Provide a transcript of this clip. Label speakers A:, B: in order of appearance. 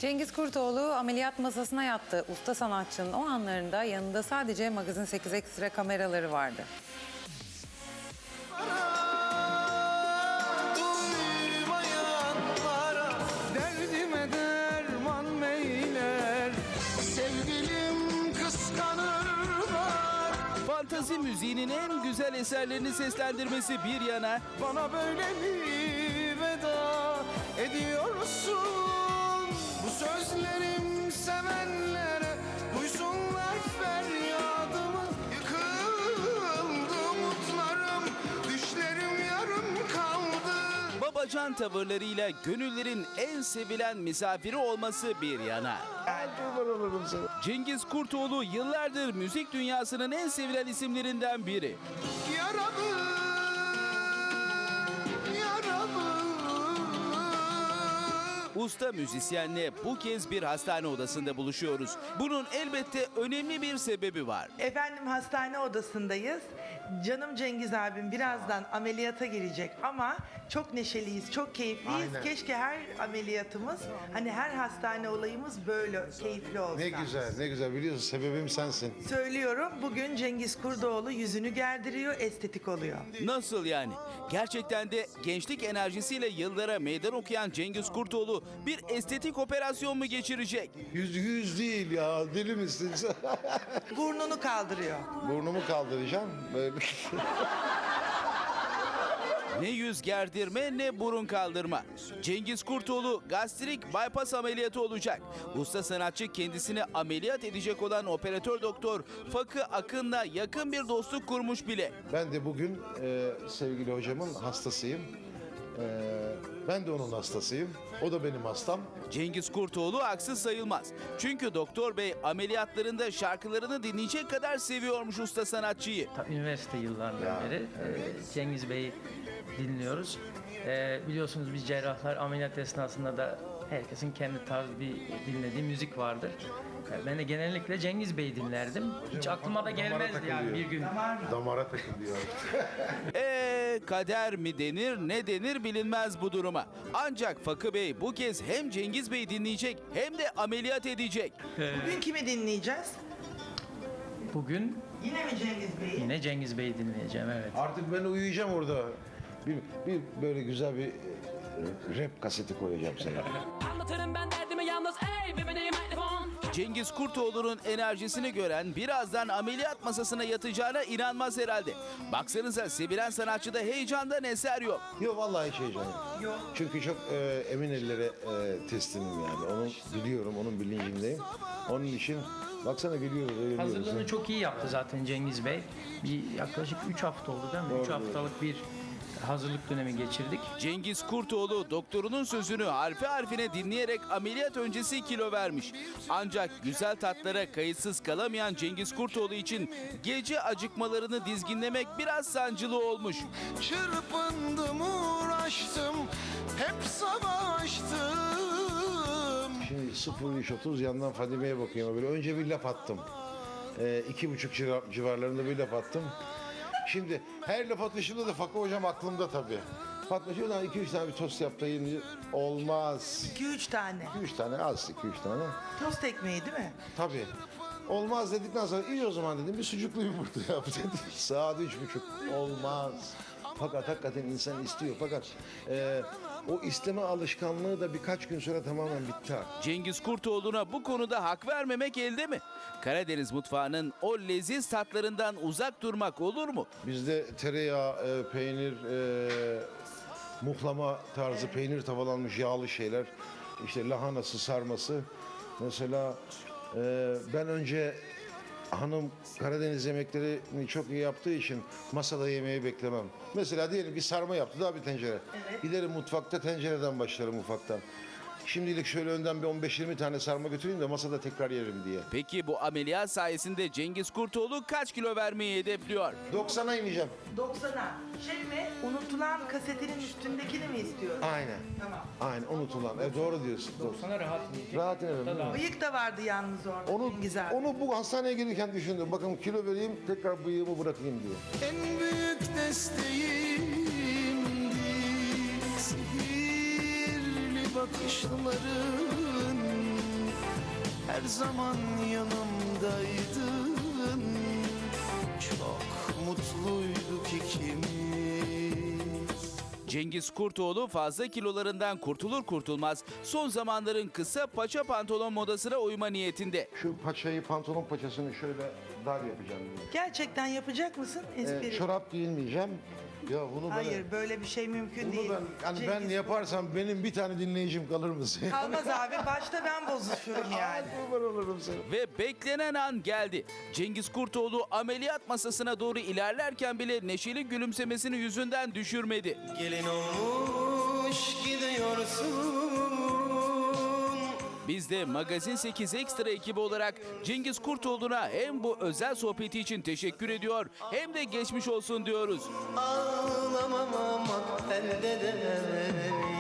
A: Cengiz Kurtoğlu ameliyat masasına yattı. Usta sanatçının o anlarında yanında sadece Magazin 8 Ekstra kameraları vardı.
B: Derdime derman beyler, sevgilim kıskanırlar.
C: Fantazi müziğinin en güzel eserlerini seslendirmesi bir yana,
B: Bana böyle mi veda ediyorsun? Bu sözlerim sevenlere, duysunlar feryadımı. Yıkıldı umutlarım, düşlerim yarım kaldı.
C: babacan tavırlarıyla gönüllerin en sevilen misafiri olması bir yana. Cengiz Kurtoğlu yıllardır müzik dünyasının en sevilen isimlerinden biri.
B: Yaralı, yaralı.
C: Usta müzisyenle bu kez bir hastane odasında buluşuyoruz. Bunun elbette önemli bir sebebi var.
D: Efendim hastane odasındayız. Canım Cengiz abim birazdan ameliyata girecek ama çok neşeliyiz, çok keyifliyiz.
E: Aynen.
D: Keşke her ameliyatımız, hani her hastane olayımız böyle keyifli olsa.
E: Ne güzel, ne güzel. Biliyorsun sebebim sensin.
D: Söylüyorum, bugün Cengiz Kurdoğlu yüzünü gerdiriyor, estetik oluyor.
C: Nasıl yani? Gerçekten de gençlik enerjisiyle yıllara meydan okuyan Cengiz Kurtoğlu bir estetik operasyon mu geçirecek?
E: Yüz değil ya, deli misin sen?
D: Burnunu kaldırıyor.
E: Burnumu kaldıracağım. Böyle.
C: Ne yüz gerdirme ne burun kaldırma. Cengiz Kurtoğlu gastrik bypass ameliyatı olacak. Usta sanatçı kendisini ameliyat edecek olan operatör doktor Fakı Akın'la yakın bir dostluk kurmuş bile.
E: Ben de bugün sevgili hocamın hastasıyım. Ben de onun hastasıyım. O da benim hastam.
C: Cengiz Kurtoğlu haksız sayılmaz. Çünkü doktor bey ameliyatlarında şarkılarını dinleyecek kadar seviyormuş usta sanatçıyı.
F: Üniversite yıllarından beri Cengiz Bey'i dinliyoruz. Biliyorsunuz biz cerrahlar ameliyat esnasında da herkesin kendi tarzı bir dinlediği müzik vardır. Ben de genellikle Cengiz Bey'i dinlerdim. Hiç aklıma da gelmezdi yani bir gün.
E: Damara takılıyor.
C: Kader mi denir ne denir bilinmez bu duruma. Ancak Fakı Bey bu kez hem Cengiz Bey dinleyecek hem de ameliyat edecek.
D: Bugün kimi dinleyeceğiz?
F: Bugün
D: Yine mi Cengiz Bey'i?
F: yine Cengiz Bey'i dinleyeceğim, evet.
E: Artık ben uyuyacağım orada. Bir böyle güzel bir rap kaseti koyacağım sana.
G: Anlatırım ben derdimi yalnız ey bebeğim mikrofon.
C: Cengiz Kurtoğlu'nun enerjisini gören birazdan ameliyat masasına yatacağına inanmaz herhalde. Baksanıza sevilen sanatçıda heyecandan eser yok.
E: Yok vallahi hiç heyecan yok. Çünkü çok emin ellere teslimim yani. Onu biliyorum, onun bilincindeyim. Onun için baksana gülüyoruz, eğleniyoruz.
F: Hazırlığını çok iyi yaptı zaten Cengiz Bey. Bir yaklaşık 3 hafta oldu değil mi? 3 haftalık bir hazırlık dönemi geçirdik.
C: Cengiz Kurtoğlu doktorunun sözünü harfi harfine dinleyerek ameliyat öncesi kilo vermiş. Ancak güzel tatlara kayıtsız kalamayan Cengiz Kurtoğlu için gece acıkmalarını dizginlemek biraz sancılı olmuş.
B: Çırpındım, uğraştım, hep savaştım.
E: Şimdi 0-3-30 yandan Fadime'ye bakıyorum. Böyle önce bir laf attım. 2,5 civarlarında bir laf attım. Şimdi her laf atışımda da Fakı hocam aklımda tabii. Fatma şuradan 2-3 tane bir tost yap da yiyin. Olmaz.
D: 2-3 tane.
E: 2-3 tane az, 2-3 tane.
D: Tost ekmeği değil mi?
E: Tabii. Olmaz dedikten sonra iyi o zaman dedim bir sucuklu yumurta yap dedi. Saat 3,5 olmaz. Fakat hakikaten insan istiyor. Fakat o isteme alışkanlığı da birkaç gün sonra tamamen bitti artık.
C: Cengiz Kurtoğlu'na bu konuda hak vermemek elde mi? Karadeniz mutfağının o leziz tatlarından uzak durmak olur mu?
E: Bizde tereyağı, peynir, muhlama tarzı peynir tavalanmış yağlı şeyler. İşte lahanası, sarması. Mesela ben önce hanım Karadeniz yemeklerini çok iyi yaptığı için masada yemeği beklemem. Mesela diyelim bir sarma yaptı daha bir tencere.
D: Evet.
E: Giderim mutfakta tencereden başlarım ufaktan. Şimdilik şöyle önden bir 15-20 tane sarma götüreyim de masada tekrar yerim diye.
C: Peki bu ameliyat sayesinde Cengiz Kurtoğlu kaç kilo vermeyi hedefliyor?
E: 90'a ineceğim.
D: 90'a. Şey mi? Unutulan kasetinin üstündekini mi istiyorsun?
E: Aynen.
D: Tamam.
E: Aynen unutulan. Doğru diyorsun.
F: Sana rahat yiyecek.
E: Rahat inerim. değil mi?
D: Bıyık da vardı yalnız orada
E: Onu,
D: Cengiz abi.
E: onu bu hastaneye gelirken düşündüm. Bakın kilo vereyim tekrar bıyığımı bırakayım diye.
B: En büyük desteğimdi sihirli bakışların. her zaman yanımdaydın. Çok mutluyduk ikimiz.
C: Cengiz Kurtoğlu fazla kilolarından kurtulur kurtulmaz son zamanların kısa paça pantolon modasına uyma niyetinde.
E: Şu paçayı, pantolon paçasını şöyle dar yapacağım.
D: Gerçekten yapacak mısın espri?
E: Çorap giyinmeyeceğim. Ya bunu
D: Hayır, böyle bir şey mümkün değil.
E: ben
D: Cengiz,
E: yaparsam benim bir tane dinleyicim kalır mısın?
D: Kalmaz abi, başta ben bozuşurum yani.
E: Kurban olurum sana.
C: Ve beklenen an geldi. Cengiz Kurtoğlu ameliyat masasına doğru ilerlerken bile neşeli gülümsemesini yüzünden düşürmedi.
B: Gelin olmuş gidiyorsun.
C: Biz de Magazin 8 Ekstra ekibi olarak Cengiz Kurtoğlu'na hem bu özel sohbeti için teşekkür ediyor hem de geçmiş olsun diyoruz.
B: Ağlamamak elde değil.